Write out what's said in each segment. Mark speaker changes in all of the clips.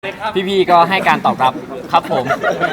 Speaker 1: พี่ๆก็ให้การตอบรับครับผม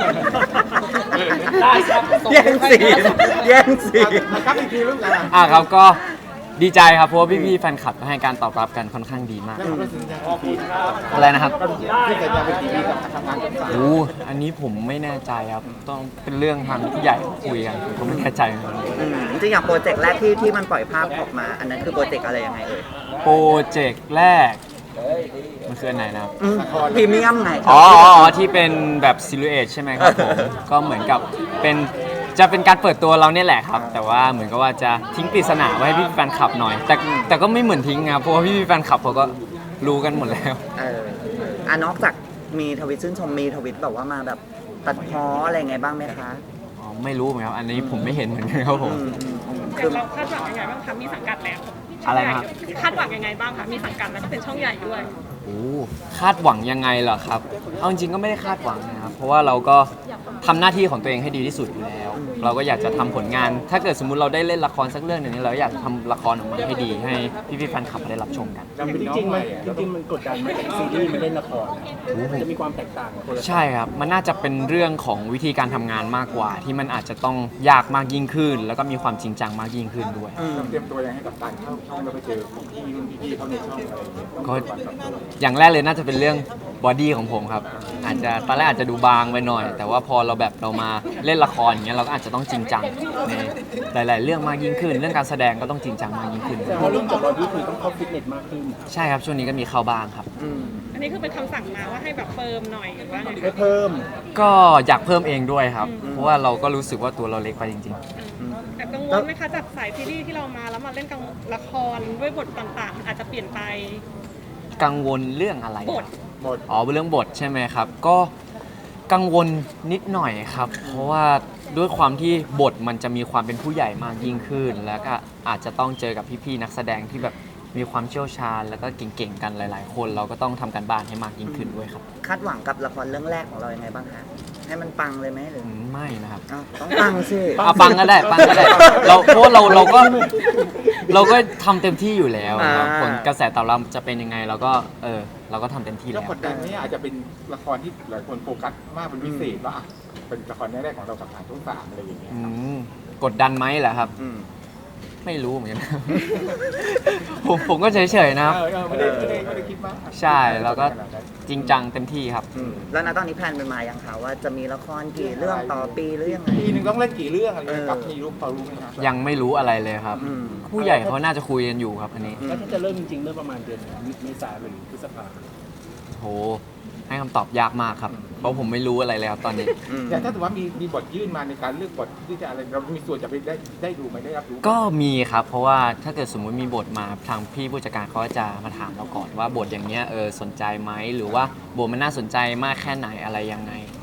Speaker 2: ได้ครับ
Speaker 3: แย่งซีนแย่งซีน
Speaker 2: ครับอีกทีลูกนะ
Speaker 1: ครับก็ดีใจครับเพราะว่าพี่ๆแฟนคลับให้การตอบรับกันค่อนข้างดีมากครับ
Speaker 2: ขอบคุณครับ
Speaker 1: อะไรนะครับ
Speaker 2: ที่สัญญาเป็นทีวีกับทำงานกับสาย
Speaker 1: โอ้อันนี้ผมไม่แน่ใจครับต้องเป็นเรื่องทางผู้ใหญ่คุยกันผมก็ไม่แน่ใจเหมือนกัน
Speaker 3: จริงๆอย่างโปรเจกต์แรกที่มันปล่อยภาพออกมา อันนั้นคือโปรเจกต์อะไรยังไงเอ่ย
Speaker 1: โปรเจกต์แรกมันคืออันไหนนะครับ
Speaker 3: พรีเมียมไง
Speaker 1: อ๋อที่เป็นแบบซิลูเอทใช่ไหมครับผม ก็เหมือนกับจะเป็นการเปิดตัวเราเนี่ยแหละครับ แต่ว่าเหมือนกับว่าจะทิ้งปริศนาไว้ให้พี่แฟนคลับหน่อย แต่ก็ไม่เหมือนทิ้งครับเพราะว่าพี่แฟนคลับเขาก็รู้กันหมดแล้ว
Speaker 3: นอกจากมีทวิตชื่นชมมีทวิตแบบว่ามาแบบตัดพ้ออะไรไงบ้างไหมคะ
Speaker 1: อ๋อไม่รู้เหมือนกันครับอันนี้ผมไม่เห็นเหมือนกันครับผม
Speaker 3: คือ
Speaker 4: เราคาดหวังยังไงบ้างคะมีสังกัดแล้ว
Speaker 1: อะไรนะครับ
Speaker 4: คาดหวังยังไงบ้างคะมีสังกัดแล้วก็เป็นช่องใหญ่ด้วย
Speaker 1: โอ้คาดหวังยังไงเหรอครับเอาจริงๆก็ไม่ได้คาดหวังนะครับเพราะว่าเราก็ทำหน้าที่ของตัวเองให้ดีที่สุดอยู่แล้ว เราก็อยากจะทำผลงาน ถ้าเกิดสมมุติเราได้เล่นละครสักเรื่องหนึ่งเราอยากจะทำละครออกมาให้ดีให้พี่ๆแฟนคลับได้รับชมกัน
Speaker 2: จริงๆมันกดดันไหมจากซีรีส์มันเล่นละครมันจะมีความแตกต่างกับคนละ
Speaker 1: ใช่ครับ มันน่าจะเป็นเรื่องของวิธีการทำงานมากกว่า ที่มันอาจจะต้องยากมากยิ่งขึ้น แล้วก็มีความจริงจังมากยิ่งขึ้นด้วย
Speaker 2: เตรียมตัวยังให้กับการเข้าช่องแล้วไปเจอพี่เขาในช่องอะไรอย่างเงี้ย
Speaker 1: ก็อย่างแรกเลยน่าจะเป็นเรื่องบอดี้ของผมครับ อาจจะตอนแรกอาจจะดูบางไปหน่อย แต่ว่าพอเรามาเล่นละครอย่างเงี้ยเราก็อาจจะต้องจริงจังในหลายๆเรื่องมากยิ่งขึ้น เรื่องการแสดงก็ต้องจริงจังมากยิ่งขึ้น
Speaker 2: แต่ว่าเรื่องจากบอดี้คือต้องเข้าฟิตเนสมากขึ้น
Speaker 1: ใช่ครับช่วงนี้ก็มีเข้าบ้างครับ
Speaker 4: อันนี้คือเป็นคำสั่งมาว่าให้แบบเฟิร์มหน่อยหรือว่าไง
Speaker 2: ให้เพิ่ม
Speaker 1: ก็อยากเพิ่มเองด้วยครับ เพราะว่าเราก็รู้สึกว่าตัวเราเล็กไปจริง
Speaker 4: แต่กังวลไหมคะจากสายซีรีส์ที่เรามาแล้วมาเล่นกับละครด้วยบทต่างๆ อาจจะเปลี่ยนไป
Speaker 1: ๆ กังวลเรื่องอะไร
Speaker 4: บท
Speaker 1: อ๋อเรื่องบทใช่ไหมครับ ก็กังวลนิดหน่อยครับ เพราะว่าด้วยความที่บทมันจะมีความเป็นผู้ใหญ่มากยิ่งขึ้น แล้วก็อาจจะต้องเจอกับพี่ๆนักแสดงที่แบบมีความเชี่ยวชาญ แล้วก็เก่งๆกันหลาย ๆ คน เราก็ต้องทำการบ้านให้มากยิ่งขึ้นด้วยครับ
Speaker 3: คาดหวังกับละครเรื่องแรกของเรายังไงบ้างคะให้มันปังเลยไหมหรือ
Speaker 1: ไม่นะครับ
Speaker 3: ต้องปังสิ
Speaker 1: เอาปังก็ได้เพราะว่าเราก็ทำเต็มที่อยู่แล้วครับผลกระแสตอบรับจะเป็นยังไงเราก็ทำเต็มที่
Speaker 2: แล้ว
Speaker 1: แล้ว
Speaker 2: กดดันไหมอาจจะเป็นละครที่หลายคนโฟกัสมากเป็นพิเศษว่าเป็นละครแรกๆของเรากับทางช่องสามอะไรอย่างเงี้ย
Speaker 1: กดดันไหมเหรอครับ ไม่รู้เหมือนกัน ผมก็เฉยๆนะครับ
Speaker 2: ไม่ได้คิดมาก
Speaker 1: ใช่เราก็จริงจังเต็มที่ครับ
Speaker 3: แล้วนะตอนนี้แพลนเป็นมายังคะว่าจะมีละครกี่เรื่องต่อปีหรือยังไง
Speaker 2: ปีหนึ่งต้องเล่นกี่เรื่องอะไรกับมีรู้พอรู้ไหมครับ
Speaker 1: ยังไม่รู้อะไรเลยครับ ผู้ใหญ่เขาน่าจะคุยกันอยู่ครับอันนี้
Speaker 5: แล้วถ้าจะเริ่มจริงๆเริ่มประมาณเดือนเมษายนหรือพฤษภาคม
Speaker 1: โหให้คำตอบยากมากครับ เพราะผมไม่รู้อะไรเลยครับตอนนี้
Speaker 2: อย่างถ้าถือว่ามีบทยื่นมาในการเลือกบทที่จะอะไรเรามีส่วนจะไปได้ดูไหมได้รับรู้
Speaker 1: ก็มีครับ เพราะว่าถ้าเกิดสมมุติมีบทมาทางพี่ผู้จัดการเขาจะมาถามเราก่อนว่าบทอย่างเงี้ยสนใจไหมหรือว่าบทมันน่าสนใจมากแค่ไหนอะไรยังไง